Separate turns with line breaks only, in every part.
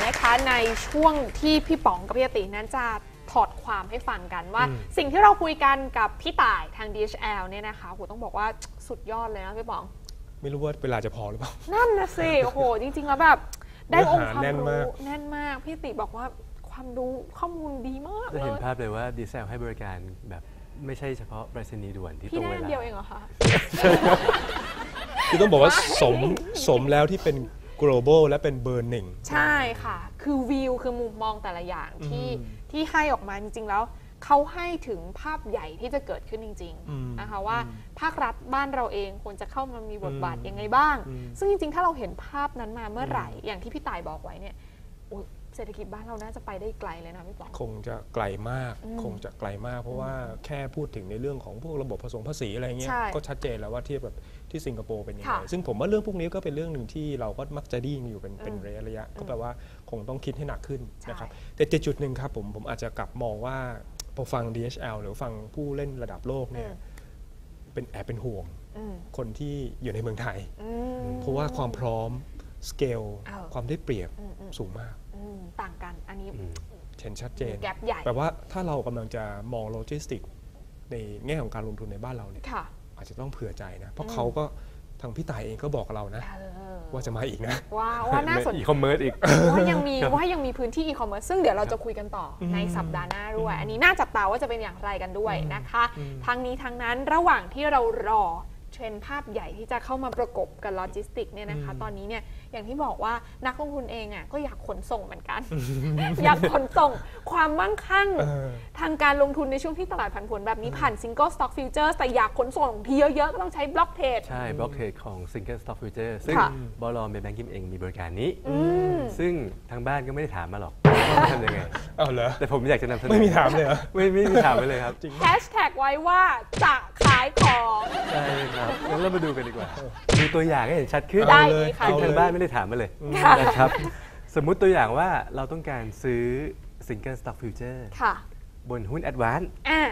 นะคะในช่วงที่พี่ป๋องกับพี่อตินั้นจะถอดความให้ฟังกันว่าสิ่งที่เราคุยกันกับพี่ต่ายทาง DHL เนี่ยนะคะโหต้องบอกว่าสุดยอดเลยนะพี่ป๋อง
ไม่รู้ว่าเวลาจะพอหรือเปล่า
นั่นนะสิโอ้โหจริงๆแล้วแบบได้องค์ความรู้แน่นมากพี่ติบอกว่าความรู้ข้อมูลดีมากเลย
จะเห็นภาพเลยว่า DHL ให้บริการแบบไม่ใช่เฉพาะไปรษณีย์ด่วนที่ตรงเวลา
พี่แน่เดียวเองเหรอคะ
คือต้องบอกว่าสมแล้วที่เป็น global และเป็นเบอร์หนึ่ง
ใช่ค่ะคือวิวคือมุมมองแต่ละอย่างที่ให้ออกมาจริงๆแล้วเขาให้ถึงภาพใหญ่ที่จะเกิดขึ้นจริงๆนะคะว่าภาครัฐบ้านเราเองควรจะเข้ามามีบทบาทยังไงบ้างซึ่งจริงๆถ้าเราเห็นภาพนั้นมาเมื่อไหร่อย่างที่พี่ต่ายบอกไว้เนี่ยเศรษฐกิจบ้านเราน่าจะไปได้ไกลเลยนะพี่ป๋อง
คงจะไกลมากเพราะว่าแค่พูดถึงในเรื่องของพวกระบบผสมภาษีอะไรเงี้ยก็ชัดเจนแล้วว่าเทียบแบบที่สิงคโปร์เป็นยังไงซึ่งผมว่าเรื่องพวกนี้ก็เป็นเรื่องหนึ่งที่เราก็มักจะได้ยินอยู่เป็นระยะก็แปลว่าคงต้องคิดให้หนักขึ้นนะครับแต่จุดหนึ่งครับผมอาจจะกลับมองว่าพอฟัง DHL หรือฟังผู้เล่นระดับโลกเนี่ยเป็นห่วงคนที่อยู่ในเมืองไทยเพราะว่าความพร้อมสเกลความได้เปรียบสูงมาก
ต่างกันอันนี้
เห็นชัดเจน
แกปใหญ่
แปลว่าถ้าเรากำลังจะมองโลจิสติกในแง่ของการลงทุนในบ้านเราเนี่ยอาจจะต้องเผื่อใจนะเพราะเขาก็ทางพี่ต่ายเองก็บอกเรานะว่าจะมาอีกนะ
ว่าน่าสนใจ
อีคอมเมิร์ซอีก
ว่ายังมีพื้นที่อีคอมเมิร์ซซึ่งเดี๋ยวเราจะคุยกันต่อในสัปดาห์หน้าด้วยอันนี้น่าจับตาว่าจะเป็นอย่างไรกันด้วยนะคะทั้งนี้ทั้งนั้นระหว่างที่เรารอเทรนด์ภาพใหญ่ที่จะเข้ามาประกบกับโลจิสติกเนี่ยนะคะตอนนี้เนี่ยอย่างที่บอกว่านักลงทุนเองอ่ะก็อยากขนส่งเหมือนกัน อยากขนส่งความมั่งคั่งทางการลงทุนในช่วงที่ตลาดผันผวนแบบนี้ผ่าน Single Stock Future แต่อยากขนส่งที่เยอะๆก็ต้องใช้บล็อกเทรด
ใช่บล็อกเทรดของ Single Stock Future ซึ่งบล.เมย์แบงกิ้งเองมีบริการนี้ซึ่งทางบ้านก็ไม่ได้ถามมาหรอกว่าทำยังไง
เหรอ
แต่ผมอยากจะนำเสนอ
ไม่มีถามเลยเหรอ
ไม่มีถามไปเลยครับ
แฮชแท็กไว้ว่าจะขายของ
ใช่ครับงั้นเรามาดูกันดีกว่าดูตัวอย่างให้เห็นชัดขึ้น
ได้เลยค่ะ
ทางบ้านไม่ได้ถามมาเลยนะครับสมมุติตัวอย่างว่าเราต้องการซื้อ Single Stock Future บนหุ้น Advance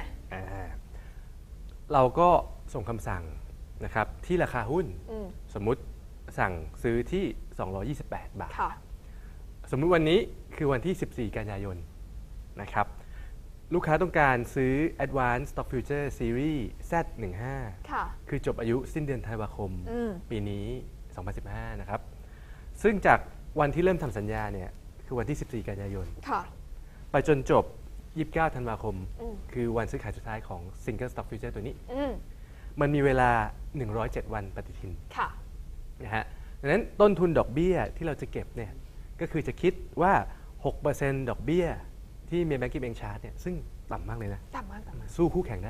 เราก็ส่งคำสั่งนะครับที่ราคาหุ้นสมมุติสั่งซื้อที่228 บาทสมมุติวันนี้คือวันที่14 กันยายนนะครับลูกค้าต้องการซื้อ Advanced Stock Future Series Z15 คือจบอายุสิ้นเดือนธันวาคมปีนี้2015นะครับซึ่งจากวันที่เริ่มทำสัญญาเนี่ยคือวันที่14 กันยายนไปจนจบ29 ธันวาคมคือวันซื้อขายสุดท้ายของ Single Stock Future ตัวนี้มันมีเวลา107 วันปฏิทินนะฮะดังนั้นต้นทุนดอกเบี้ยที่เราจะเก็บเนี่ยก็คือจะคิดว่า 6% ดอกเบี้ยที่เมย์แบงกิ้งเองชาร์จเนี่ยซึ่งต่ำมากเลยนะ
ต่ำมาก
สู้คู่แข่งได้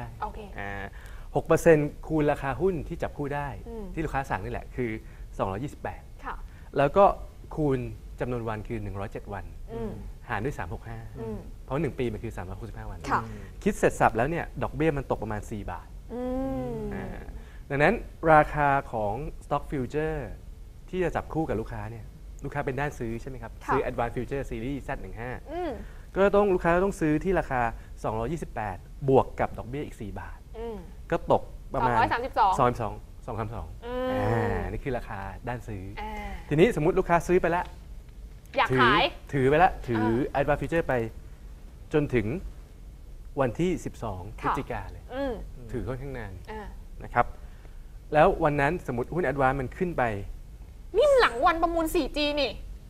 6% คูณราคาหุ้นที่จับคู่ได้ที่ลูกค้าสั่งนี่แหละคือ228แล้วก็คูณจำนวนวันคือ107 วันหารด้วย365เพราะ1ปีมันคือ365 วันคิดเสร็จสับแล้วเนี่ยดอกเบี้ยมันตกประมาณ4 บาทดังนั้นราคาของ Stock Future ที่จะจับคู่กับลูกค้าเนี่ยลูกค้าเป็นด้านซื้อใช่ไหมครับซื้อ Advanced Future Series Z15ก็ต้องลูกค้าต้องซื้อที่ราคา228บวกกับดอกเบี้ยอีก4 บาทก็ตกประมาณ232นี่คือราคาด้านซื้อทีนี้สมมุติลูกค้าซื้อไปแล้ว
อยากขาย
ถือไปแล้วถือ Advanced Future ไปจนถึงวันที่12 พฤศจิกายนเลยถือค่อนข้างนานนะครับแล้ววันนั้นสมมติหุ้น Advanced มันขึ้นไป
นี่หลังวันประมูล 4G นี่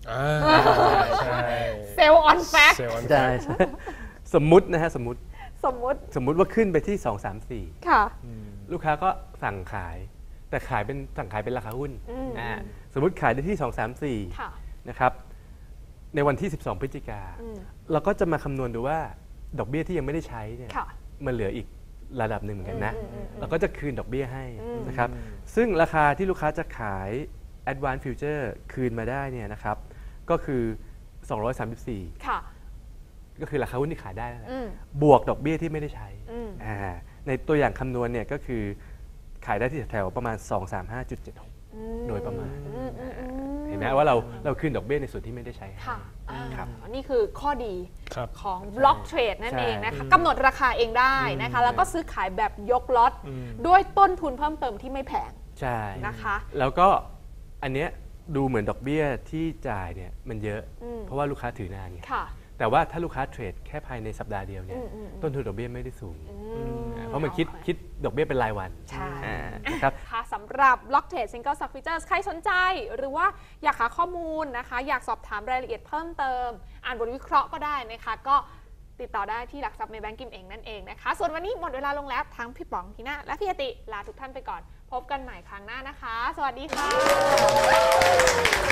เซลล์ออนแฟก
ใช่สมมุตินะฮะสมมุติว่าขึ้นไปที่234
ค่ะ
ลูกค้าก็สั่งขายแต่สั่งขายเป็นราคาหุ้นสมมุติขายได้ที่234นะครับในวันที่12 พฤศจิกาเราก็จะมาคำนวณดูว่าดอกเบี้ยที่ยังไม่ได้ใช้เนี่ยมันเหลืออีกระดับหนึ่งเหมือนกันนะเราก็จะคืนดอกเบี้ยให้นะครับซึ่งราคาที่ลูกค้าจะขาย Advanced Future คืนมาได้เนี่ยนะครับก็คือ234ก็คือราคาหุ้นที่ขายได้บวกดอกเบี้ยที่ไม่ได้ใช้ในตัวอย่างคำนวณเนี่ยก็คือขายได้ที่แถวประมาณ 235.76 โดยประมาณเห็นไหมว่าเราคืนดอกเบี้ยในส่วนที่ไม่ได้ใช้
ครับนี่คือข้อดีของบล็อกเทรดนั่นเองนะคะกำหนดราคาเองได้นะคะแล้วก็ซื้อขายแบบยกล็อตด้วยต้นทุนเพิ่มเติมที่ไม่แพง
ใช่
นะคะ
แล้วก็อันเนี้ยดูเหมือนดอกเบี้ยที่จ่ายเนี่ยมันเยอะเพราะว่าลูกค้าถือนานไงแต่ว่าถ้าลูกค้าเทรดแค่ภายในสัปดาห์เดียวเนี่ยต้นทุนดอกเบี้ยไม่ได้สูงเพราะมันคิดดอกเบี้ยเป็นรายวัน
นะครับสำหรับ Block Trade Single Stock Futures ใครสนใจหรือว่าอยากหาข้อมูลนะคะอยากสอบถามรายละเอียดเพิ่มเติมอ่านบทวิเคราะห์ก็ได้นะคะก็ติดต่อได้ที่หลักทรัพย์ในแบงก์กิมเองนั่นเองนะคะส่วนวันนี้หมดเวลาลงแล้วทั้งพี่ป๋องทีน่าและพี่อติลาทุกท่านไปก่อนพบกันใหม่ครั้งหน้านะคะสวัสดีค่ะ